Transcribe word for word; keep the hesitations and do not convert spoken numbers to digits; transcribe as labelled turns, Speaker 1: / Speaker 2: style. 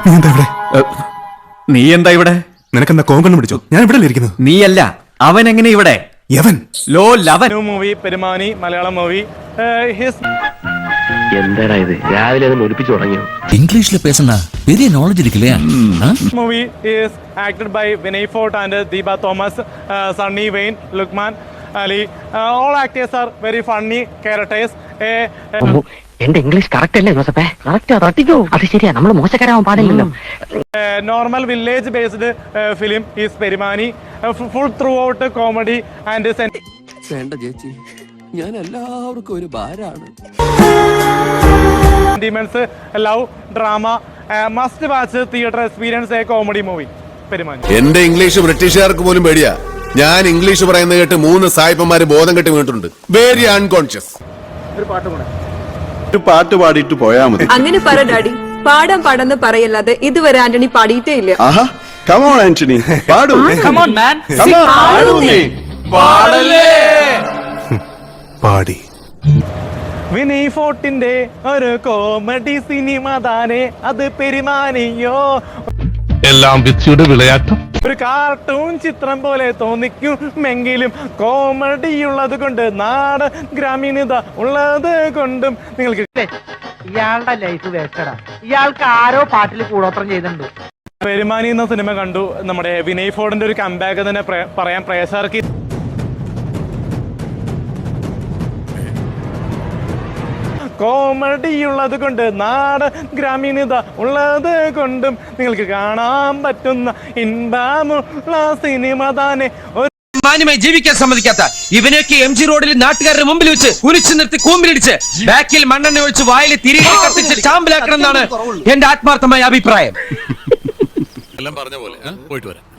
Speaker 1: നീ എന്താ ഇവിടെ?
Speaker 2: നീ എന്താ ഇവിടെ?
Speaker 1: നിനക്കെന്താ കോങ്കണ്ണം പിടിച്ചോ? ഞാൻ ഇവിടെ ഇരിക്കുന്നത്.
Speaker 2: നീയല്ല, അവൻ എങ്ങനെ ഇവിടെ?
Speaker 1: യവൻ
Speaker 2: ലോ ലവൻ
Speaker 3: മൂവി പെരുമാനി മലയാളം മൂവി.
Speaker 4: എന്താടാ ഇത് രാവിലെ ഒലിപ്പിച്ചു തുടങ്ങിയോ?
Speaker 5: ഇംഗ്ലീഷിൽ പേசுனா பெரிய நாலேஜ் இருக்குல்லையா?
Speaker 3: Movie is acted by Vinay Forrt and Deepa Thomas, Sunny Wayne, Lukman Ali. All actors are very funny characters.
Speaker 4: എന്റെ ഇംഗ്ലീഷ് കറക്റ്റ് അല്ലേ ജോസഫേ? കറക്റ്റ് തട്ടിക്കോ. അത് ശരിയാ, നമ്മൾ മോശക്കാരാവാൻ പാടില്ലല്ലോ.
Speaker 3: Normal village based film is Perumani. Full throughout comedy and
Speaker 6: വേണ്ട ചേച്ചി, ഞാൻ എല്ലാവർക്കും ഒരു ഭാരാണ്.
Speaker 3: Sentiments, love, drama, must watch theatre experience a comedy movie Perumani.
Speaker 7: എന്റെ ഇംഗ്ലീഷ് ബ്രിട്ടീഷുകാർക്ക് പോലും പേടിയാ. ഞാൻ ഇംഗ്ലീഷ് പറയുന്നത് കേട്ട് മൂന്ന് സായിപ്പന്മാര് ബോധം കെട്ടി വീണിട്ടുണ്ട്. Very unconscious.
Speaker 3: ഒരു പാട്ട് കൂടെ
Speaker 8: ഒരു പാട്ട് പാടിയിട്ട് പോയാ മതി.
Speaker 9: അങ്ങനെ പറ ഡാഡി. പാടാൻ പാടെന്ന് പറയല്ലാതെ ഇതുവരെ ആന്റണി പാടിയിട്ടേ ഇല്ല.
Speaker 8: ആഹാ, come on ആന്റണി, പാടൂ.
Speaker 2: Come on man.
Speaker 8: Come on, പാടൂ നീ.
Speaker 2: പാടല്ലേ.
Speaker 1: പാടി.
Speaker 3: വിനയ് ഫോർട്ടിന്റെ ഒരു കോമഡി സിനിമ താനെ അത് പെരുമാനിയോ.
Speaker 10: എല്ലാം വിധിയുടെ വിളയാട്ടം.
Speaker 3: ഒരു കാർട്ടൂൺ ചിത്രം പോലെ തോന്നിക്കുമെങ്കിലും കോമഡി ഉള്ളത് കൊണ്ട്, നാട് ഗ്രാമീണത ഉള്ളത് കൊണ്ടും നിങ്ങൾക്ക്
Speaker 11: ഇയാളുടെ ലൈഫ് വേസ്റ്റഡാ. ഇയാൾക്ക് ആരോ പാട്ടിൽ കൂടോത്രം ചെയ്തിട്ടുണ്ട്.
Speaker 3: പെരുമാനി എന്ന സിനിമ കണ്ടു. നമ്മുടെ വിനയ് ഫോർട്ടിന്റെ ഒരു കംബാക്ക് തന്നെ പറയാൻ പ്രേക്ഷകർക്ക്. കോമഡി ഉള്ളത് കൊണ്ട്, നാട് ഗ്രാമീണത ഉള്ളത് കൊണ്ടും നിങ്ങൾക്ക് കാണാൻ പറ്റുന്ന ഇൻബാമുള്ള സിനിമ താനെ.
Speaker 5: മാന്യമായി ജീവിക്കാൻ സമ്മതിക്കാത്ത ഇവനൊക്കെ എം ജി റോഡിൽ നാട്ടുകാരുടെ മുമ്പിൽ വെച്ച് കുരിച്ചു നിർത്തി കൂമ്പിലിടിച്ച് ബാക്കിൽ മണ്ണെണ്ണ ഒഴിച്ച് വായിൽ തിരികെ കത്തിച്ച് ചാമ്പലാക്കണം എന്നാണ് എന്റെ ആത്മാർത്ഥമായ അഭിപ്രായം.
Speaker 7: എല്ലാം പറഞ്ഞ പോലെ പോയിട്ട് വരാം.